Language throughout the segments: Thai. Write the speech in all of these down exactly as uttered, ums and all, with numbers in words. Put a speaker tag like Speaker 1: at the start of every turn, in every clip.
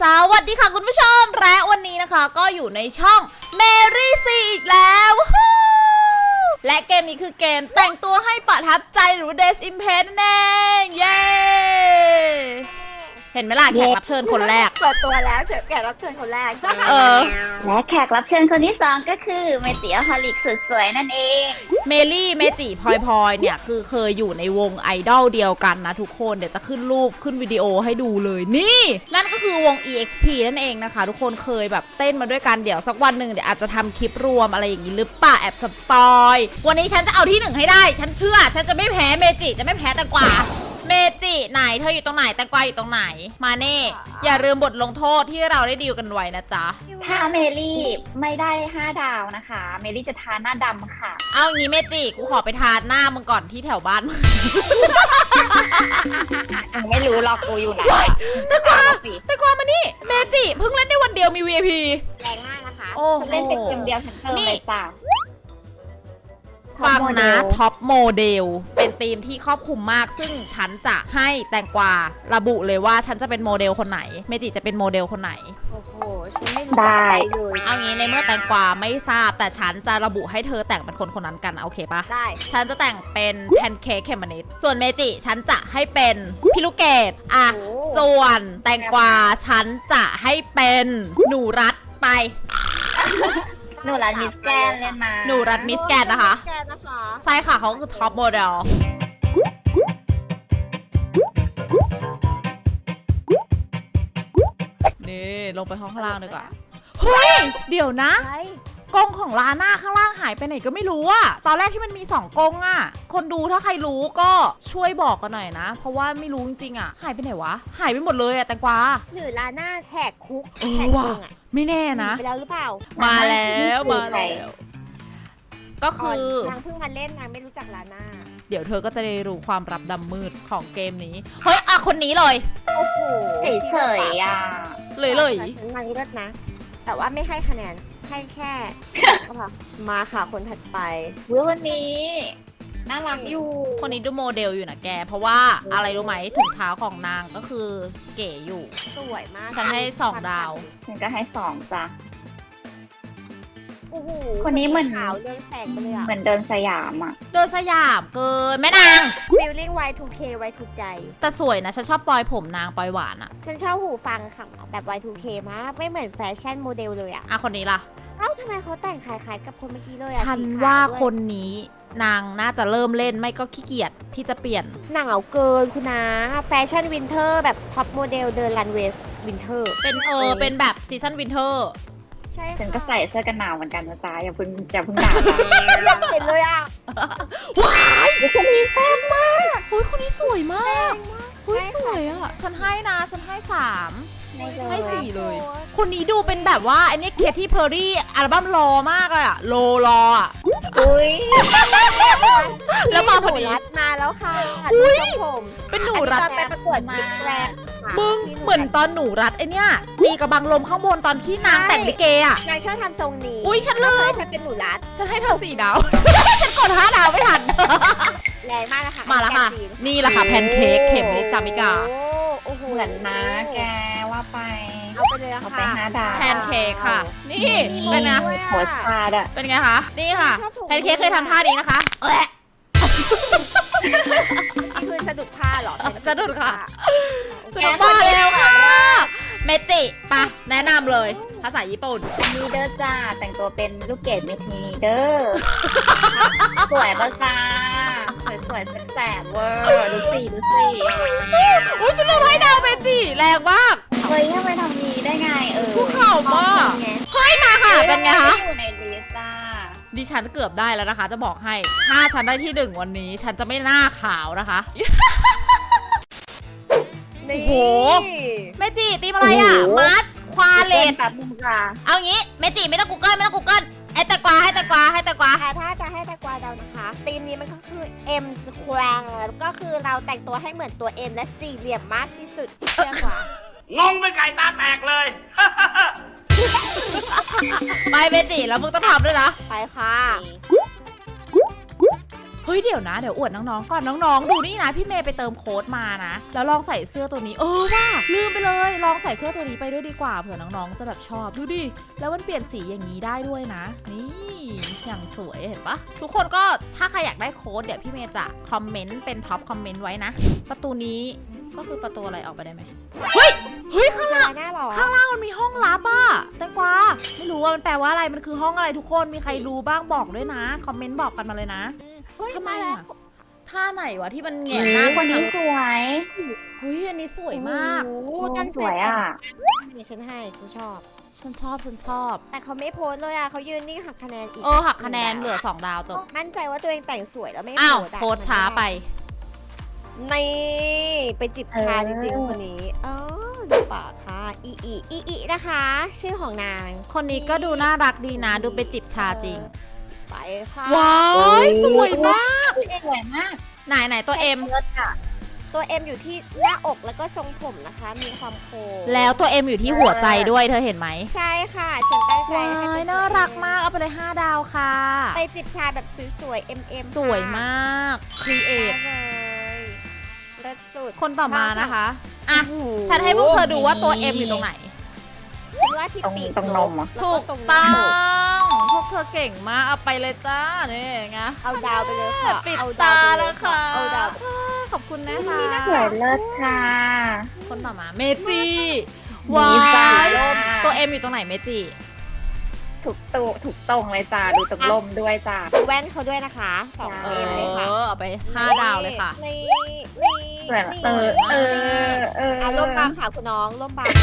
Speaker 1: สวัสดีค่ะคุณผู้ชมและวันนี้นะคะก็อยู่ในช่อง Mary C อีกแล้วและเกมนี้คือเกมแต่งตัวให้ประทับใจหรือ Days Impress นั่นเองเย้เห็นไหมล่ะแขกรับเชิญคนแรก
Speaker 2: เปิดตัวแล้วแขกรับเชิญคนแรก
Speaker 1: เออ
Speaker 3: และแขกรับเชิญคนที่สองก็คือเมจิอฮอลิกสุดสวยนั่นเอง
Speaker 1: เมลี่เมจิพลอยพลอยเนี่ยคือเคยอยู่ในวงไอดอลเดียวกันนะทุกคนเดี๋ยวจะขึ้นรูปขึ้นวิดีโอให้ดูเลยนี่นั่นก็คือวง อี เอ็กซ์ พี นั่นเองนะคะทุกคนเคยแบบเต้นมาด้วยกันเดี๋ยวสักวันหนึ่งเดี๋ยวอาจจะทำคลิปรวมอะไรอย่างนี้หรือเปล่าแอบสปอยวันนี้ฉันจะเอาที่หนึ่งให้ได้ฉันเชื่อฉันจะไม่แพ้เมจิจะไม่แพ้แต่กว่าเมจิไหนเธออยู่ตรงไหนแตงกวาอยู่ตรงไหนมาเน่อย่าลืมบทลงโทษที่เราได้ดีลกันไว้นะจ๊ะ
Speaker 3: ถ้าเมลี่ไม่ได้ห้าดาวนะคะเมลี่จะทาหน้าดำค่ะ
Speaker 1: เอางี้เมจิกูขอไปทาหน้ามึงก่อนที่แถวบ้านมึง
Speaker 3: ไม่รู้หรอกกูอยู่ไหน
Speaker 1: แตงกวาแตงกวามานี่เมจิเพิ่งเล่นได้วันเดียวมี วี ไอ พี
Speaker 2: แรงมากนะคะ
Speaker 1: โอ้
Speaker 3: เล่นเป็นเกมเดียวฉันเติมเลยจ้ะ
Speaker 1: ฟังนะท็อปโมเดลเป็นธีมที่ครอบคลุมมากซึ่งฉันจะให้แตงกวาระบุเลยว่าฉันจะเป็นโมเดลคนไหนเมจิจะเป็นโมเดลคนไหน
Speaker 2: โอ้โหฉันไม่รู้จักใครเลย
Speaker 1: เอางี้ในเมื่อแตงกวาไม่ทราบแต่ฉันจะระบุให้เธอแต่งเป็นคนคนนั้นกันโอเคปะ
Speaker 2: ได้
Speaker 1: ฉันจะแต่งเป็นแพนเค้กเขมมะนิดส่วนเมจิฉันจะให้เป็นพี่ลูกเกดอ่ะส่วนแตงกวาฉันจะให้เป็นหนูรัดไป
Speaker 3: หนูรัดมิสแกนเล่นมา
Speaker 1: หนูรัดมิสแกนนะคะใช่ค่ะเขาคือท็อปโมเดลนี่ลงไปห้องข้างล่างดีกว่าเฮ้ยเดี๋ยวนะกรงของลาน่าข้างล่างหายไปไหนก็ไม่รู้อะตอนแรกที่มันมีสองกรงอะคนดูถ้าใครรู้ก็ช่วยบอกกันหน่อยนะเพราะว่าไม่รู้จริงๆอะหายไปไหนวะหายไปหมดเลยอะแตงกวา
Speaker 2: หรือลาน่าแหกคุก
Speaker 1: แหกคุกอะไม่แน่นะ
Speaker 2: ไปแล้วหรือเปล่า
Speaker 1: มาแล้วมาแล้วก็คือน
Speaker 2: างเพิ่งมาเล่นนางไม่รู้จักลาน่า
Speaker 1: เดี๋ยวเธอก็จะได้รู้ความลับดำมืดของเกมนี้เฮ้ยอะคนนี้เลย
Speaker 2: โอ้โห
Speaker 3: เฉยๆอ่ะ
Speaker 1: เลยเลย
Speaker 2: ฉันนางเลิศนะแต่ว่าไม่ให้คะแนนให้แค่ก็พอมาค่ะคนถัดไป
Speaker 3: วันนี้น่ารักอยู่
Speaker 1: คนนี้ดูโมเดลอยู่นะแกเพราะว่าอะไรรู้ไหมถุงเท้าของนางก็คือเก๋อยู่
Speaker 2: สวยมาก
Speaker 1: ฉันให้สองดาว
Speaker 3: ฉันก็ให้สองจ้ะ
Speaker 2: โอ้โห
Speaker 3: คนนี้เหมือน
Speaker 2: ขาวเรืองแสงไปเลยอะ
Speaker 3: เหมือนเดินสยามอะ
Speaker 1: เดินสยามเกินแม่นาง
Speaker 2: feeling วาย ทู เค ไว้ถูกใจ
Speaker 1: แต่สวยนะฉันชอบปลอยผมนางปลอยหวานอะ
Speaker 2: ฉันชอบหูฟังค่ะแบบ วาย ทู เค มากไม่เหมือนแฟชั่นโมเดลเลยอะ
Speaker 1: อ่ะคนนี้ล่ะ
Speaker 2: เอ้าทำไมเขาแต่งคล้ายๆกับคนเมื่อกี้เลย
Speaker 1: อะฉันว่าคนนี้นางน่าจะเริ่มเล่นไม่ก็ขี้เกียจที่จะเปลี่ยน
Speaker 2: หนาวเกินคุณนะแฟชั่นวินเทอร์แบบท็อปโมเดลเดินรันเวย์วินเทอร์
Speaker 1: เป็นเออเป็นแบบซีซั่นวินเทอร์
Speaker 2: ใช่
Speaker 3: ฉันก็ใส่เสื้อกันหนาวเหมือนกันนะจ๊ะอย่าเพิ่งอย่าเพิ่งด่า
Speaker 2: อยากเห็นเลยอ่ะ
Speaker 1: ว้าย
Speaker 3: คนนี้แซ่บมาก
Speaker 1: เฮ้ยคนนี้สวยมากเฮ้ยสวยอ่ะฉันให้นะฉันให้สามให้สี่เลยคนนี้ดูเป็นแบบว่าอันนี้เคที่เพอร์รี่อัลบั้มรอมากเลยอะโลรออะ
Speaker 3: อุ้ย
Speaker 1: แล้วมาพอดี
Speaker 2: มาแล้วค่ะอุ้ยผม
Speaker 1: เป็นหนูรัด
Speaker 2: ไปประกวดมิสแกรนด์
Speaker 1: มึงเหมือนตอนหนูรัดไอเนี้ยตีกระบังลมข้างบนตอนที่นางแต่งลิเกอะ
Speaker 2: นางชอบทำทรงนี้
Speaker 1: อุ้ยฉันลืม
Speaker 2: ฉันเป็นหนูรัด
Speaker 1: ฉันให้เธอสี่ดาวฉันกดห้าดาวไม่ทัน
Speaker 2: แรงมากนะคะ
Speaker 1: มาแล้วค่ะนี่แหละค่ะแพนเค้กเข็มนิดจามิกา
Speaker 2: โอ้โห
Speaker 3: เหมือนนะแกว่าไป
Speaker 2: เอาไปเลยค่ะ
Speaker 3: ไปห้าดาว
Speaker 1: แพนเค้กค่ะนี่เป็นไง
Speaker 3: โพสท่าด้วย
Speaker 1: เป็นไงคะนี่ค่ะแพนเค้กเคยทำท่านี้นะคะเอ๊ะ
Speaker 2: นี่คือสะดุดผ้าหรอ
Speaker 1: สะดุดค่ะสะดุดผ้าเร็วค่ะเมจิปะแนะนำเลยภาษาญี่ปุ่น
Speaker 3: มีเดอร์จ้าแต่งตัวเป็นลูกเกดเมทีนีเดอร์สวยปะจ้าสวยๆแสบเวอร์ดูสิดูสิ
Speaker 1: อุ้ยฉันลืมให้ดาวเมจิแรงมาก
Speaker 3: เฮ้ยทำไมทำนี้ได้ไงเออ
Speaker 1: กูเข่ามากเฮ้ยมาค่ะเป็นไงคะ
Speaker 3: อยู่ในลิสต์จ้า
Speaker 1: ดิฉันเกือบได้แล้วนะคะจะบอกให้ถ้าฉันได้ที่หนึ่งวันนี้ฉันจะไม่หน้าขาวนะคะโอ้โหเมจิตีมอะไรอ่ะมาร์ชควาเลต
Speaker 3: แบบมึงค่ะ
Speaker 1: เอางี้เมจิไม่ต้องกูเกิลไม่ต้องกูเกิลให้ตะกวาให้ตะกวาให้ตะกวา
Speaker 2: ถ้าจะให้ตะกวาเดานะคะธีมนี้มันก็คือ M Square ก็คือเราแต่งตัวให้เหมือนตัว M และสี่เหลี่ยมมากที่สุดเชื่อกว่
Speaker 4: างงเป็นไก่ตาแตกเลย
Speaker 1: ไปเมจิแล้วมึงต้องทำด้วยนะ
Speaker 2: ไปค่ะ
Speaker 1: เฮ้ยเดี๋ยวนะเดี๋ยวอวดน้องๆก่อนน้องๆดูนี่นะพี่เมย์ไปเติมโค้ดมานะแล้วลองใส่เสื้อตัวนี้เออว่าลืมไปเลยลองใส่เสื้อตัวนี้ไปด้วยดีกว่าเผื่อน้องๆจะแบบชอบดูดิแล้วมันเปลี่ยนสีอย่างนี้ได้ด้วยนะนี่อย่างสวยเห็นปะทุกคนก็ถ้าใครอยากได้โค้ดเดี๋ยวพี่เมย์จะคอมเมนต์เป็นท็อปคอมเมนต์ไว้นะประตูนี้ก็คือประตูอะไรออกไปได้ไหมเฮ้ยเฮ้ยข้างล่าง
Speaker 2: หน้าหรอ
Speaker 1: ข้างล่างมันมีห้องลับอะแตงกวาไม่รู้ว่ามันแปลว่าอะไรมันคือห้องอะไรทุกคนมีใครรู้บ้างบอกด้วยนะคอมเมนต์บอกกันมาเลยนะ
Speaker 2: เฮ้ย
Speaker 1: ทำไม
Speaker 2: มาแล้ว
Speaker 1: อะท่าไหนวะที่มันแหงนหน้า
Speaker 3: คนนี้สวย
Speaker 1: เฮ้ยอันนี้สวยมาก
Speaker 2: โอ้โห
Speaker 3: โอ้
Speaker 2: ตั้งใจ
Speaker 3: สวยอ่ะ
Speaker 2: นี่ฉันให้ฉันชอบ
Speaker 1: ฉันชอบฉันชอบ
Speaker 2: แต่เขาไม่โพสต์เลยอ่ะเขายืนนี่หักคะแนนอีก
Speaker 1: เออหักคะแนนเหลือสองดาวจบ
Speaker 2: มั่นใจว่าตัวเองแต่งสวยแล้วไม่
Speaker 1: อ้าว
Speaker 2: โพสต์ะ
Speaker 1: โพสต์ช้าไป
Speaker 2: นี่ไปจิบชา
Speaker 3: เออ
Speaker 2: จริงๆคนนี้อ๋อดูปากค่ะอีอีอีอีนะคะ ชื่อของนาง
Speaker 1: คนนี้ก็ดูน่ารักดีนะ ดูไปจิบชาจริง
Speaker 2: ไปค่ะ
Speaker 1: ว้ายสวยมาก
Speaker 3: สวยมาก
Speaker 1: ไหนไหนตัวเอ็ม
Speaker 3: เลิศอ่ะ
Speaker 2: ตัวเอ็มอยู่ที่หน้าอกแล้วก็ทรงผมนะคะ มีความโค้ง
Speaker 1: แล้วตัวเอ็มอยู่ที่หัวใจด้วยเธอเห็นไหม
Speaker 2: ใช่ค่ะ ฉันตั้งใจ
Speaker 1: ว้า
Speaker 2: ให้
Speaker 1: ย
Speaker 2: เป็น
Speaker 1: น่ารักมากเอาไปเลยห้าดาวค่ะ
Speaker 2: ไปจิบชาแบบสวยๆเอ็มเอ็ม
Speaker 1: สวยมากครีเอท
Speaker 2: เลยเลิศสุด
Speaker 1: คนต่อมานะคะอ่ะ
Speaker 2: โอ้โห
Speaker 1: ฉันให้พวกเธอดูว่าตัว M อยู่ตรงไหน
Speaker 2: ฉันว่าที่
Speaker 3: ตรง
Speaker 2: ปีก
Speaker 3: ตรงนมอ่ะ
Speaker 2: แล้ว
Speaker 1: ถู
Speaker 2: ก็
Speaker 1: ก
Speaker 2: ตรงห
Speaker 1: ต้
Speaker 2: น้า
Speaker 1: อ
Speaker 2: อก
Speaker 1: ง พวกเธอเก่งมาก เอาไปเลยจ้า นี่ไง
Speaker 2: เอาดาวไปเลยค่ะ
Speaker 1: ปิด
Speaker 2: เอา
Speaker 1: ตา
Speaker 2: ไป
Speaker 1: แล้วค่ะ
Speaker 2: เอาดาว
Speaker 1: ขอบคุณนะคะ
Speaker 3: สวยเลิศค่ะ
Speaker 1: คนต่อมาเมจิ
Speaker 3: มี
Speaker 1: ว้า
Speaker 3: สาย
Speaker 1: ย
Speaker 3: ลม
Speaker 1: ตัว M อยู่ตรงไหนเมจิ
Speaker 3: ถูกตูถูกตรงเลยจ้าดูตรงลมด้วยจ้า
Speaker 2: ดูแว่นเขาด้วยนะคะสอง
Speaker 1: เอ
Speaker 2: เอ็มเลยค่ะ
Speaker 1: อ เอาไปห้าดาวเลยค่ะ
Speaker 2: นี่นี่
Speaker 3: สวย
Speaker 2: นี่
Speaker 3: เออเออเออ
Speaker 2: อ่ะร่มบางค่ะคุณน้องร่มบาง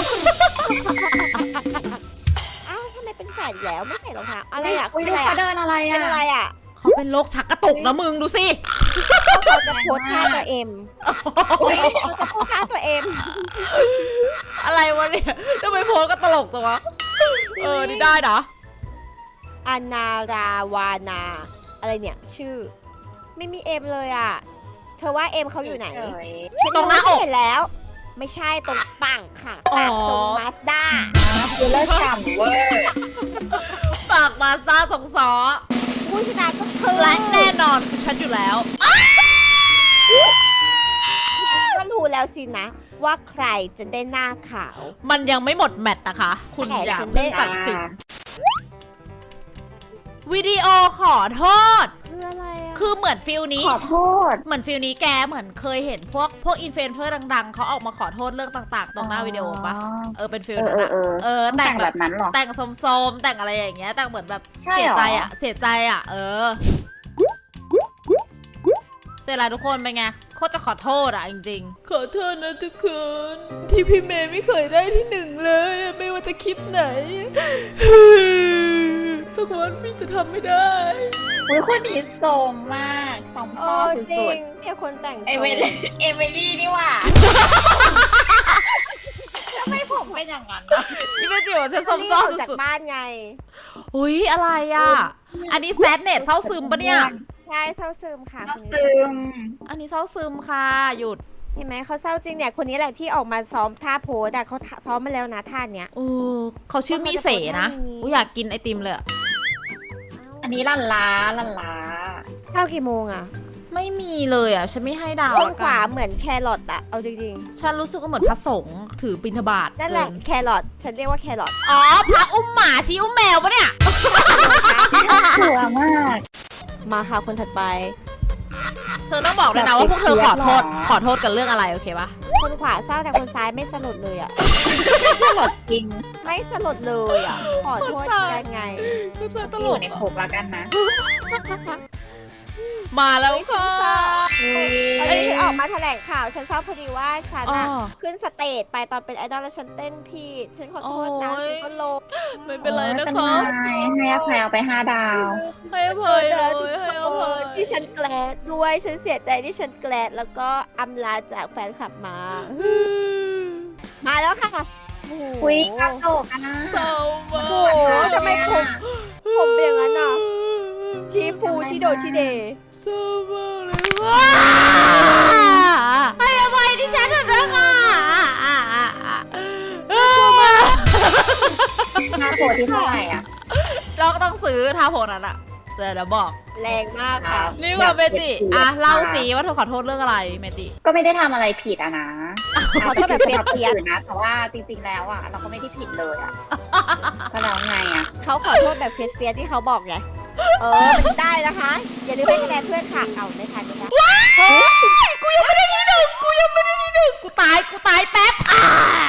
Speaker 2: อ้าวทำไมเป็นแฝดแล้วไม่ใส่รองเท้าอะไรอ่ะ
Speaker 3: อุ้ย
Speaker 2: เป็
Speaker 3: ดู
Speaker 2: นอะไร
Speaker 3: เขา
Speaker 2: อ่ะ
Speaker 3: เดินอะไร
Speaker 2: เป็นอะไร
Speaker 3: อ่ะ
Speaker 2: อ่ะ
Speaker 1: เขาเป็นโรคชักกระตุกนะมึงดูสิ
Speaker 2: เขาจะโพสท่าตัวเอ็มเขาจะโพสท่าตัวเอ็ม
Speaker 1: อะไรวะเนี่ยทำไมโพสก็ตลกจังวะ เออ นี่ได้เหรอ
Speaker 2: อนาราวานา อะไรเนี่ยชื่อ ไม่มีเอ็มเลยอ่ะ เธอว่าเอ็มเขาอยู่ไหน
Speaker 3: เฉย
Speaker 2: ฉัน
Speaker 1: ตรงหน้าอก
Speaker 2: เห็นแล้ว ไม่ใช่ตรงปังค่ะปากทรงมาสด้า
Speaker 3: ดูเลิศฉ่ำเวอร์
Speaker 1: ปากมาสด้าสองสอ
Speaker 2: ผู้ชนะก็คือ
Speaker 1: และแน่นอนคือฉันอยู่แล้ว
Speaker 2: ก็รู้แล้วสินะ ว่าใครจะได้หน้าขาว
Speaker 1: มันยังไม่หมดแมตช์นะคะ คุณ
Speaker 2: แต่
Speaker 1: อย่า
Speaker 2: ฉัน
Speaker 1: เพิ่ง
Speaker 2: ได้
Speaker 1: ตัดสินวิดีโอขอโทษ
Speaker 2: คืออะไรอ่ะ
Speaker 1: คือเหมือนฟิลนี้
Speaker 3: ขอโทษ
Speaker 1: เหมือนฟิลนี้แกเหมือนเคยเห็นพวกพวกอินฟลูเอนเซอร์ดังๆ เขาออกมาขอโทษเรื่องต่างๆ ตรงหน้าวิดีโอปะเออเป็นฟิล
Speaker 3: เออ
Speaker 1: นั้น
Speaker 3: เออ
Speaker 1: อะ
Speaker 3: เออ
Speaker 1: เออ
Speaker 3: ต้อง
Speaker 1: แต่
Speaker 3: แต่
Speaker 1: ง
Speaker 3: ง
Speaker 1: แบ
Speaker 3: แบบ บนั้นเหรอ
Speaker 1: แต่งโสมๆแต่งอะไรอย่างเงี้ยแต่งเหมือนแบบ
Speaker 3: ใช่
Speaker 1: เสีย
Speaker 3: เหรอ
Speaker 1: ใจอะเสียใจอะเออเสร็จแล้วทุกคนเป็นไงโคตรจะขอโทษอะจริงๆขอโทษนะทุกคนที่พี่เมย์ไม่เคยได้ที่หนึ่งเลยไม่ว่าจะคลิปไหน สักวันพี่จะทำไม่ได้
Speaker 3: อุ้ยคนนี้โสมมากสอง
Speaker 2: เอ
Speaker 3: พ่อ
Speaker 2: อจริ
Speaker 3: สุ
Speaker 2: ง
Speaker 3: ด
Speaker 2: เนี่ยคนแต่ง
Speaker 3: ๆ
Speaker 2: ท
Speaker 3: เอ
Speaker 2: รง
Speaker 3: เมลี่เอเมลี่นี่หว่าทำไมผมเป็นอย่างนั้นอะ
Speaker 1: พี่เมย์จิ๋วฉัน
Speaker 2: เขา
Speaker 1: ซ้
Speaker 2: เรียก
Speaker 1: อ
Speaker 2: อ
Speaker 1: ม
Speaker 2: อกจาก
Speaker 1: สุด
Speaker 2: บ้านไง
Speaker 1: ๆอุ้ยอะไรอ่ะ อันนี้แซดเน็ตเศร้าซึมปะเนี่ย
Speaker 2: ใช่เศร้าซึมค่ะ
Speaker 3: เรา
Speaker 2: คนนี้
Speaker 3: ซึม
Speaker 1: อันนี้เศร้าซึมค่ะหยุด
Speaker 2: เห็นไหมเขาเศร้าจริงเนี่ยคนนี้แหละที่ออกมาซ้อมท่าโพสอะเขาซ้อมมาแล้วนะท่าเนี้ย
Speaker 1: เออเขาชื่อมีเสนะ
Speaker 2: เขาจะโพสต์ท่านี้
Speaker 1: กูอยากกินไอติมเลยอะ
Speaker 3: อันนี้ลันล้าลันล้า
Speaker 2: เศร้ากี่โมงอะ
Speaker 1: ไม่มีเลยอ่ะ ฉันไม่ให้ดาว
Speaker 2: คน
Speaker 1: ละ
Speaker 2: ข
Speaker 1: กั
Speaker 2: วาเหมือนแครอทอะเอาจริง
Speaker 1: ฉันรู้สึกว่าเหมือนพระสงฆ์ถือบิณฑบาต
Speaker 2: ๆนั่นแหละ
Speaker 1: เกิ
Speaker 2: แครอทฉันเรียกว่าแครอท
Speaker 1: อ๋อพระอุ้มหมาชี้อุ้มแมวปะเนี่ย
Speaker 3: สวยมาก
Speaker 2: มาค่ะคนถัดไป
Speaker 1: เธอต้องบอกเลยนะว่าพวกเธอขอโทษขอโทษกันเรื่องอะไรโอเคปะ
Speaker 2: คนขวาเศร้าแต่คนซ้ายไม่สลดเลยอะ
Speaker 3: ตลอดจริง
Speaker 2: ไม่สลดเลยอะขอโทษยังไง
Speaker 1: คือเธอต
Speaker 3: อ
Speaker 1: ล
Speaker 3: ยู่
Speaker 1: ก
Speaker 3: ในคุกแล้วกันนะ
Speaker 1: มาแล้วค่ะ
Speaker 3: อุ้ย
Speaker 2: ตอนนี้ฉันออกมาแถลงข่าวฉันเศร้าพอดีว่าฉันอะ
Speaker 1: อ๋อ
Speaker 2: ขึ้นสเตจไปตอนเป็นไอดอลแล้วฉันเต้นผิดฉันขอโทษนะ
Speaker 1: โอ้ย
Speaker 2: ฉันก็ลง
Speaker 1: ไม่เป็นไรนะ
Speaker 3: เป็น
Speaker 1: คะ
Speaker 3: ไงให้อภัยเอาไปห้าดาว
Speaker 1: ให้อภัยเลยให้อภัย
Speaker 2: ที่ฉันแกลดด้วยฉันเสียใจที่ฉันแกลดแล้วก็อำลาจากแฟนคลับมา มาแล้วค่ะโอ้โห
Speaker 3: อุ้ยกระโดดกันนะ
Speaker 1: เศร้ามาก
Speaker 2: โอ้โหทำไมผม ผมเป็นอย่างนั้นอ่ะ ชีฟูชีโดชีเดย์
Speaker 1: เศร้ามากเลยว้าให้อภัยที่ฉันเถอะนะคะ
Speaker 3: หน้าโพที่เท่าไหร่อ่ะ
Speaker 1: เราก็ต้องซื้อทาโพนั้นอะเดี๋ยวเดี๋ยวบอก
Speaker 2: แรงมากค่ะ
Speaker 1: นี่ว่าเมจิอ่ะเล่าสิว่าเธอขอโทษเรื่องอะไรเมจิ
Speaker 3: ก็ไม่ได้ทำอะไรผิดอะนะ
Speaker 2: ขอโทษแบบเฟียส
Speaker 3: คน
Speaker 2: เฟียส
Speaker 3: อื่นนะแต่ว่าจริงๆแล้วอะเราก็ไม่ได้ผิดเลยอะก็แล้วไงอะ
Speaker 2: เขาขอโทษแบบเฟียสเฟียสที่เขาบอกไงเออมันได้นะคะ อย่าลืมให้คะแนนเพื่อนค่ะเอาไม่ทันไม่ได้
Speaker 1: กูยังไม่ได้ที่หนึ่งกูยังไม่ได้ที่หนึ่งกูตายกูตายแป๊บอ่า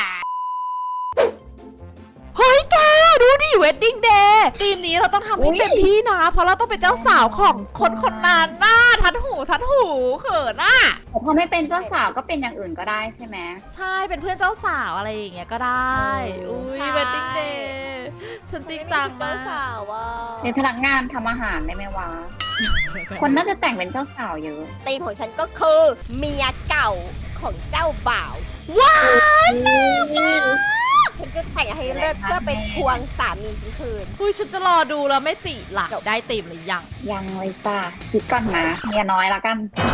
Speaker 1: เฮ้ยแกดูดิเวดดิ้งเดย์ทีมนี้เราต้องทำให้เต็มที่นะ เพราะเราต้องเป็นเจ้าสาวของคนคนนั้นน่ะทัดหูทัดหูเขินอ่ะ
Speaker 3: แต่พอไม่เป็นเจ้าสาวก็เป็นอย่างอื่นก็ได้ใช่ไหม
Speaker 1: ใช่เป็นเพื่อนเจ้าสาวอะไรอย่างเงี้ยก็ได้
Speaker 3: เออ
Speaker 1: อุ้ย
Speaker 2: ใช่
Speaker 1: เวดดิ้งเดย์ฉันจริงจัง
Speaker 2: เจ้าม
Speaker 1: าก
Speaker 2: สาวว่า
Speaker 3: เป็นพนักงานทำอาหารได้ไหมวะ คนน่าจะแต่งเป็นเจ้าสาวเยอะ
Speaker 2: ธีมของฉันก็คือเมียเก่าของเจ้าบ่าว
Speaker 1: ว้าย
Speaker 2: ฉันจะแต่งให้เลิศเพื่อเป็นทวงสามีฉันคืน
Speaker 1: อุ้ยฉันจะรอดูแล้วไม่จีหลักได้ตีมหรือยัง
Speaker 3: ยังเลยจ้าคิดก่อนนะเมียน้อยละกัน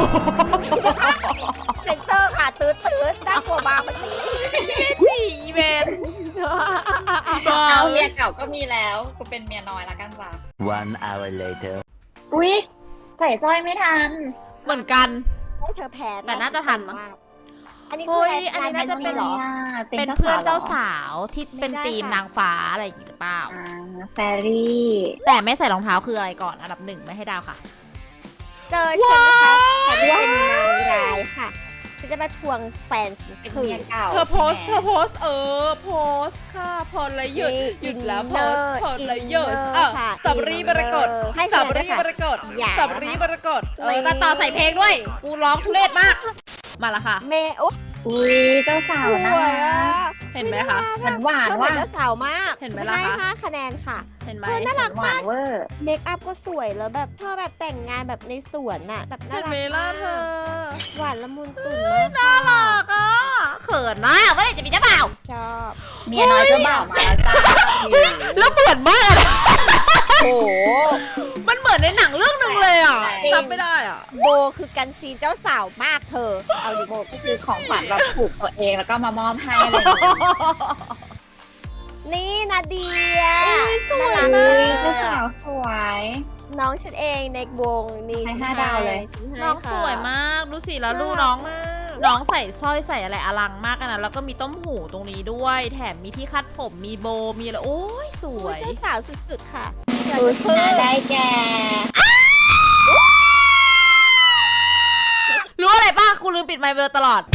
Speaker 2: เซนเซอร์ค่ะตื้อตื้อน่ากลัวมากเมื่อกี้
Speaker 1: ไม่จีอีเวนต์บอ
Speaker 3: เอา
Speaker 1: ล
Speaker 3: เมียเก่าก็มีแล้วกูเป็นเมียน้อยละกันจ้า
Speaker 5: One hour later.
Speaker 3: อุ๊ยใส่สร้อยไม่ทัน
Speaker 1: เหมือนกัน
Speaker 2: ให้เธอแพ้
Speaker 1: แต่น่าจะทันมั้ง
Speaker 2: อันนี้
Speaker 1: เฮ้
Speaker 2: คือย
Speaker 1: อันนี้น่าจะเป็น
Speaker 2: เหรอ
Speaker 1: เป็นเพื่อนเจ้าสาวที่เป็นทีมนางฟ้าอะไรอย่างงี้หรือเปล่า
Speaker 3: อ่าแฟรี่
Speaker 1: แต่ไม่ใส่รองเท้าคืออะไรก่อนอันดับหนึ่งไม่ให้ดาวค่ะ
Speaker 2: เจอฉันนะคะฉันเป็นนางร้ายค่ะฉันจะมาทวงแฟนฉัน
Speaker 3: เป็น
Speaker 2: คื
Speaker 3: เมีย
Speaker 2: น
Speaker 3: เก่า
Speaker 1: เธอโพสต์เธ
Speaker 3: ใช่
Speaker 1: อ
Speaker 3: ไหม
Speaker 1: โพสต์เออโพสต์ค่ะพอเลยหยุด
Speaker 2: นี่
Speaker 1: หยุดแล้ว
Speaker 2: อิน
Speaker 1: โพ
Speaker 2: เนอร์
Speaker 1: สต์พอเลย
Speaker 2: อิน
Speaker 1: หยุด
Speaker 2: เนอร์
Speaker 1: อ่ะ
Speaker 2: ค่ะ
Speaker 1: สับรีบรกฏ
Speaker 2: ให้
Speaker 1: สับ
Speaker 2: คะแนน
Speaker 1: รีบรกฏ
Speaker 2: อย่า
Speaker 1: สับรีบรกฏเอ
Speaker 2: ไม่
Speaker 1: อตัดต่อใส่เพลงด้วย กูร้องทุเรศมาก มาละค่ะ
Speaker 2: เมโอ้
Speaker 3: อุ้ยเจ้าสาว
Speaker 2: ส
Speaker 3: นะ
Speaker 2: วยอ่ะ
Speaker 1: เห็นไหมคะ
Speaker 3: หวานหวาน
Speaker 2: เธอเหมื
Speaker 3: ว่า
Speaker 2: อนเจ้าสาวมาก
Speaker 1: เห็นไหม
Speaker 2: ฉั
Speaker 1: ล่ะ
Speaker 2: ให้
Speaker 1: คะ
Speaker 2: ห้าคะแนนค่ะ
Speaker 1: เห็นไหม
Speaker 2: เธอน่ารัก
Speaker 3: หวานเวอร์
Speaker 2: เมคอัพก็สวยแล้วแบบเธอแบบแต่งงานแบบในสวนน่ะแบบน่า
Speaker 1: เห็น
Speaker 2: รัก
Speaker 1: ไหมล่ะ
Speaker 2: มาก
Speaker 1: เธอ
Speaker 2: หวานละมุนตุ่นมาก
Speaker 1: น่ารักอ่ะเขินนะเมื่อไหร่จะมีเจ้าบ่าว
Speaker 2: ชอบ
Speaker 3: เมียน้อยเจ้าบ่าวมาแล้วจ้า
Speaker 1: แล้วเหมือนมากอะ
Speaker 2: โอ้โห
Speaker 1: มันเหมือนในหนังเรื่องหนึ่งเลยอ่ะจำไม่ได้อ่ะ
Speaker 2: โบคือกันซีนเจ้าสาวมากเธอ เอาดิ
Speaker 3: โบก็คือของขวัญแบบผูกตัวเองแล้วก็มามอบให้อะไรอย่างเงี้ย
Speaker 2: นี่นาเดีย
Speaker 1: อุ๊ยสวย
Speaker 2: น่ารัก
Speaker 1: มาก
Speaker 3: อุ้ยเจ้าสาวสวย
Speaker 2: น้องฉันเองในวงนี่
Speaker 3: ให้
Speaker 2: ฉัน
Speaker 3: ห้าดาวเลย
Speaker 2: ฉัให้
Speaker 1: น้อง
Speaker 2: ค่ะ
Speaker 1: สวยมากดูสิแล้วดูน้อง
Speaker 2: มาก
Speaker 1: น้องใส่สร้อยใส่อะไรอลังมากอะนะแล้วก็มีต้มหูตรงนี้ด้วย แถมมีที่คัดผมมีโบมีอะไรโอ้ยสว
Speaker 2: โอ้ย
Speaker 1: ย
Speaker 2: เจ้าสาวสุดๆค่ะฉัน
Speaker 3: ดู
Speaker 2: ก็
Speaker 3: ช
Speaker 2: คือ
Speaker 3: นะได้แก่
Speaker 1: รู้อะไรป่ะกูลืมปิดไมค์ไปเลยตลอด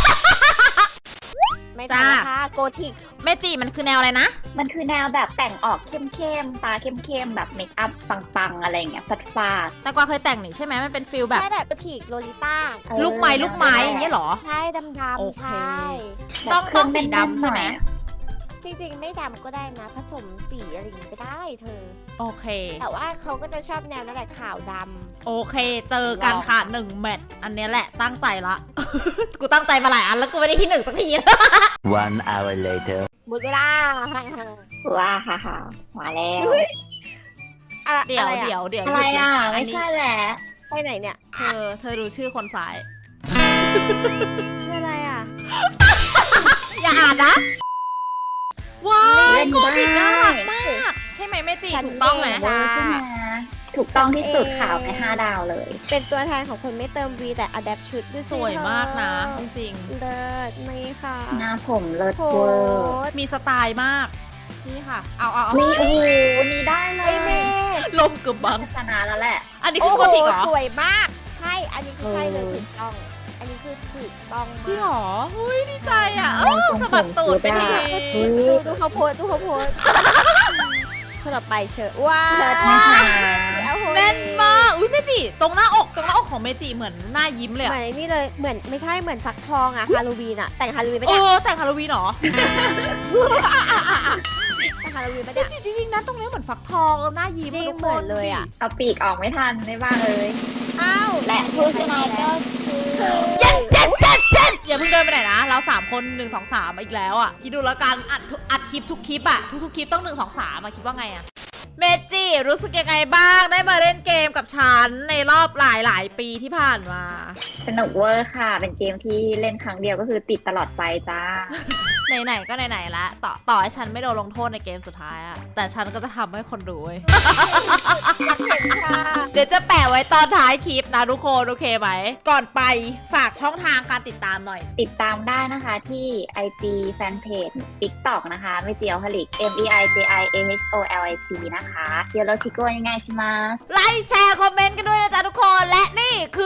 Speaker 2: ไม่
Speaker 1: จ้า
Speaker 2: ได้ค่ะโกธิก
Speaker 1: แม่จีมันคือแนวอะไรนะ
Speaker 3: มันคือแนวแบบแต่งออกเข้มๆตาเข้มๆแบบเมคอัพปังๆอะไรอย่างเงี้ยฟาดฟาด
Speaker 1: แต่กวางเคยแต่งนี่ใช่ไหมมันเป็นฟิลแบบ
Speaker 2: ใช่แบบโกธิกโลลิต้า
Speaker 3: เออ
Speaker 1: ลูกไม้ลูกไม้อย่างเงี้ยเหรอ
Speaker 2: ใช่ดำ
Speaker 1: โอ
Speaker 2: ๆ
Speaker 1: เค
Speaker 2: ใช่
Speaker 1: ต้อง
Speaker 3: แบบ
Speaker 1: ต้องสี
Speaker 3: เครื่
Speaker 1: ดำใช่ไหม
Speaker 3: แน่นๆน่อยอะ
Speaker 2: จริงๆไม่ดำก็ได้นะ ผสมสีอะไรอย่างงี้ก็ได้เธอ
Speaker 1: โอเค
Speaker 2: แต่ว่าเขาก็จะชอบแนวนั่นแหละขาวด
Speaker 1: โอเค เจอกันค่ะหนึ่งแมตช์อันเนี้ยแหละตั้งใจละ กูตั้งใจมาหลายอันแล้วกูไม่ได้ที่หนึ่งสักที
Speaker 5: One hour later.
Speaker 2: ำหมดเวลา
Speaker 3: ว้าฮ่าฮ่ามาแล้ว
Speaker 2: อะ
Speaker 1: เดี๋ยว
Speaker 2: อะไรอะ
Speaker 1: เดี๋ยวเดี๋ยว
Speaker 3: อะไร
Speaker 1: หยุดน
Speaker 3: อ่ะ
Speaker 1: น
Speaker 3: ไม่
Speaker 1: นี้
Speaker 3: ใช่แหละ
Speaker 2: ไปไหนเนี่ย
Speaker 1: เธอเธอดูชื่อคนซ้าย
Speaker 2: คืออะไรอ่ะ
Speaker 1: อย่าอ่านนะ ว้าย
Speaker 3: เล่น
Speaker 1: โกจิน่ารัก
Speaker 3: ได้
Speaker 1: มาก ใช่ไหมแม่จี
Speaker 2: ฉัน
Speaker 1: ถูกต้องไหม
Speaker 2: เอง
Speaker 3: เวอร์ใช่ไหมถูกต้องที่สุดข่าวไปห้าดาวเลย
Speaker 2: เป็นตัวแทนของคนไม่เติมวีแต่อะแดปชุดด้วย
Speaker 1: สวยมากนะจริง
Speaker 2: เลิศนี่ค่ะ
Speaker 3: หน้าผมเลิศ
Speaker 2: โพ
Speaker 3: เวอร์
Speaker 2: สต์
Speaker 1: ๆมีสไตล์มาก นี่ค่ะ เอาเอาเอา
Speaker 3: นี่โอ้โหนี่ได้เล
Speaker 2: ไอย เมย์
Speaker 1: ลมเกือบบัง
Speaker 3: ชนะแล้วแหละ
Speaker 1: อันนี้
Speaker 2: โอ้
Speaker 1: คือ
Speaker 2: โห
Speaker 1: โกจิเหรอ
Speaker 2: สวยมาก ใช่ อันนี้คือใช่เลย
Speaker 3: เออ
Speaker 2: ถูกต้อง อันนี้คือถูกต้องมาก
Speaker 1: จริงเหรอเฮ้ยดีใจอ่ะเออสะบัดตูดไปที
Speaker 3: อุ๊ย
Speaker 2: ดูดูเขาโพสต์ดูเขาโพสต์คนต่อไปเชิญว้า
Speaker 3: เลิศนะคะ
Speaker 2: เอาโห
Speaker 1: แน่นมาก อุ้ยเมจิตรงหน้าอกตรงหน้าอกของเมจิเหมือนหน้ายิ้มเลย
Speaker 2: เหมื
Speaker 1: อะ
Speaker 2: อนไอ้นี่เลยเหมือนไม่ใช่เหมือนฟักทองอะฮาโลวีนอะแต่งฮาโลวีนไม่
Speaker 1: เอ
Speaker 2: ได้
Speaker 1: อแต่งฮาโลวีนเหรอ
Speaker 2: แต่งฮาโลวีนไม่
Speaker 1: เม
Speaker 2: ได้
Speaker 1: จิจริงๆนะตรงนี้เหมือนฟักทองเออหน้ายิ้ม
Speaker 2: จริง
Speaker 1: ทุกค
Speaker 2: เหมือนเลยอะ
Speaker 3: เอาปีกออกไม่ทันไม่บ้าเลย
Speaker 2: อ้าว
Speaker 3: และผู้ชนะก็คือ
Speaker 1: yes yes yes yes อย่าเพิ่งเดินไปไหนนะ เราสามคนหนึ่งสองสามอีกแล้วอ่ะคิดดูแล้วกันอัดทุกอัดคลิปทุกคลิปอ่ะทุกๆคลิปต้องหนึ่งสองสามอ่ะคิดว่าไงอ่ะเมจิรู้สึกยังไงบ้างได้มาเล่นเกมกับฉันในรอบหลายหลายๆปีที่ผ่านมา
Speaker 3: สนุกเวอร์ค่ะ เป็นเกมที่เล่นครั้งเดียวก็คือติดตลอดไปจ้า
Speaker 1: ไหนๆก็ไหนๆละต่อต่อให้ฉันไม่โดนลงโทษในเกมสุดท้ายอะแต่ฉันก็จะทำให้คนดูเว้ย
Speaker 2: อยากเห็นค่ะ
Speaker 1: เดี๋ยวจะแปะไว้ตอนท้ายคลิปนะทุกคนโอเคไหมก่อนไปฝากช่องทางการติดตามหน่อย
Speaker 3: ติดตามได้นะคะที่ ไอ จี Fanpage TikTok นะคะไม่เจียวฮลิก M E I J I A H O L I C นะคะเดี๋ยวเราชิโก้ยังไงใช่ไหม
Speaker 1: ไลค์แชร์คอมเมนต์กันด้วยนะจ๊ะทุกคนและนี่คือ